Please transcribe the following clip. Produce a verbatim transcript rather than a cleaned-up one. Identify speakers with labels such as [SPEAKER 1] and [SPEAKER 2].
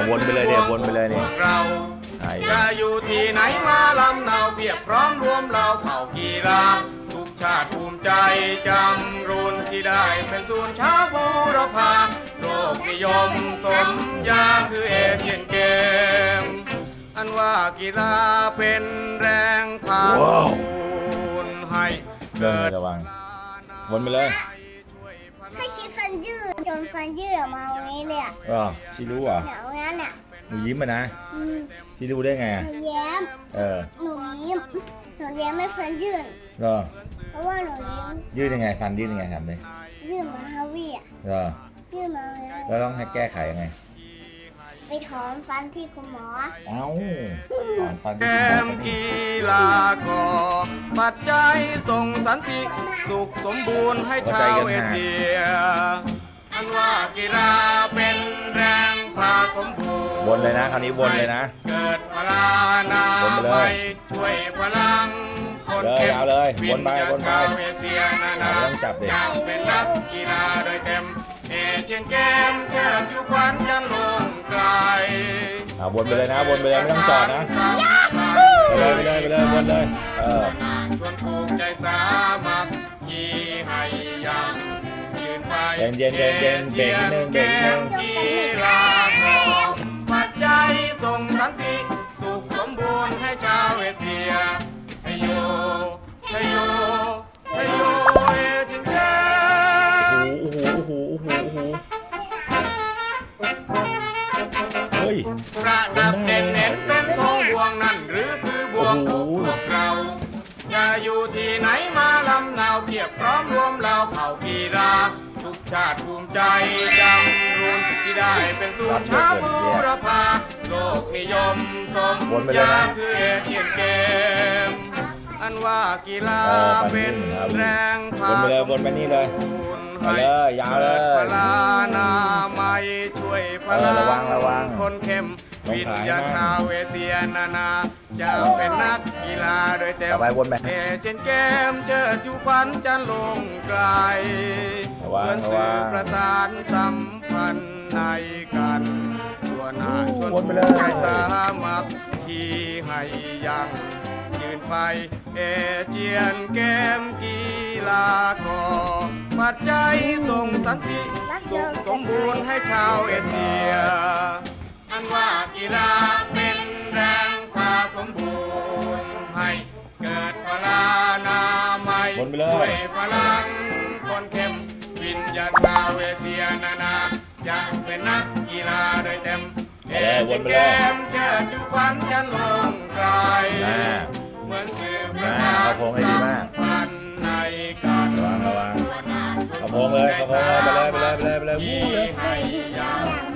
[SPEAKER 1] วนไปเลยเนี่ยวนไปเลยเนี่ย
[SPEAKER 2] เราจะอยู่ที่ไหนมาลำเนาเพียบพร้อมรวมเราเผ่ากีฬาทุกชาติภูมิใจจำรุนที่ได้เป็นศูนย์ช้าบูรพาโลกนิยมสมยาคือเอเชียนเกมอันว่ากีฬาเป็นแรงพาคุณให้เกิด
[SPEAKER 1] ระวังวนไปเลย
[SPEAKER 3] ถ้าคิดฟันยืดจนฟันยืดออกมาตรงนี้เลยอ่ะ
[SPEAKER 1] อ๋อชิรู้อ่ะ
[SPEAKER 3] เดี๋ยวงั้นอ่ะ
[SPEAKER 1] หนูยิ้มมานะชิรู้ได้ไง
[SPEAKER 3] หนูแย้ม
[SPEAKER 1] เออ
[SPEAKER 3] หนูยิ้มหนูแย้มไม่ฟันยืด
[SPEAKER 1] เหรอ
[SPEAKER 3] เพราะว่าหนูยิ้ม
[SPEAKER 1] ยืดยังไงฟันยืดยังไงทำเลย
[SPEAKER 3] ยืดมาฮาวี่อ่ะ
[SPEAKER 1] เหรอ
[SPEAKER 3] ยืดมา
[SPEAKER 1] แล้วต้องให้แก้ไขยังไง
[SPEAKER 3] ไปถอนฟันที่คุณหมอ
[SPEAKER 1] เอ้าถอนฟัน
[SPEAKER 2] แกมกีฬาก็ปัจจัยส่งสันติสุขสมบูรณ์ให้ชาวเอเชียอันว่ากีฬาเป็นแรงพาสมบูรณ์
[SPEAKER 1] วนเลยนะคราวนี้วนเลยนะ
[SPEAKER 2] เกิดพลานาไปช่วยพลังคน
[SPEAKER 1] เ
[SPEAKER 2] เข้ม
[SPEAKER 1] เลยวนไปวนไป
[SPEAKER 2] เอเชียนานา
[SPEAKER 1] ต้องจับเด็ก
[SPEAKER 2] เป็นนักกีฬาโดยเต็มเอเชียนเกมเชิดชูขวัญยันลงไกล
[SPEAKER 1] อ่าวนไปเลยนะวนไปเลยไม่ต้องจอดนะไปเลยไปเลยไปเลยวนเลยเออ
[SPEAKER 2] ชวนผูกใจสามัคคีให้ยังยืนไป
[SPEAKER 1] เย็นเย็นเย็นเย็นเบรกนิดนึงเบรกนิดนึง
[SPEAKER 2] กีฬาของปัจจัยส่งสันติสุขสมบูรณ์ให้ชาวเอเชียชโยชโยชโยเอเชียนเกม
[SPEAKER 1] โอ้โหโอ้โหโอ้โหโอ้โหเฮ้ย
[SPEAKER 2] ประดับเด่นเน้นเป็นทองบวงนั่นหรือคือบวงของพวกเราจะอยู่ที่ไหนมาลำเนาเพียบพร้อมรวมเราเผ่ากีฬาทุกชาติภูมิใจจำรุนที่ได้เป็นศูนย์ช้าบูรพาโลกนิยมสมยาคือเอเชียนเกมอันว่ากีฬาเป็นแรงพา
[SPEAKER 1] วนไปเลยวนไปนี่เลยไปเลยยาวเลย
[SPEAKER 2] พลานาไม่ช่วยพลัง
[SPEAKER 1] ระวังระวัง
[SPEAKER 2] คนเข้มวิญญาชาวเอเชียนานาจะเป็นนักกีฬาโดยเต็มเอเชียนเกมเชิดชูขวัญจันลงไกลเพื่อนสื่อประสานสัมพันธ์ในกันตัวหน้าชวนผู้สามัคคีให้ยังยืนไปเอเชียนเกมกีฬาของปัจจัยส่งสันติสุขสมบูรณ์ให้ชาวเอเชียอันว่ากีฬาเป็นแรงพาสมบูรณ์ให้เกิดพลานามัยช่วยพลังคนเข้มวิญญาณชาวเอเชียนานาจะเป็นนักกีฬาโดยเต็มเอเชียนเกมเชิดชูขวัญยันลงไกลเหมือนสื่อประชาสัมพันธ์ในการ
[SPEAKER 1] ระวังระวังเขาโค้งเลยเขาโค้งเลยไปเลยไปเลยไปเลยไปเลย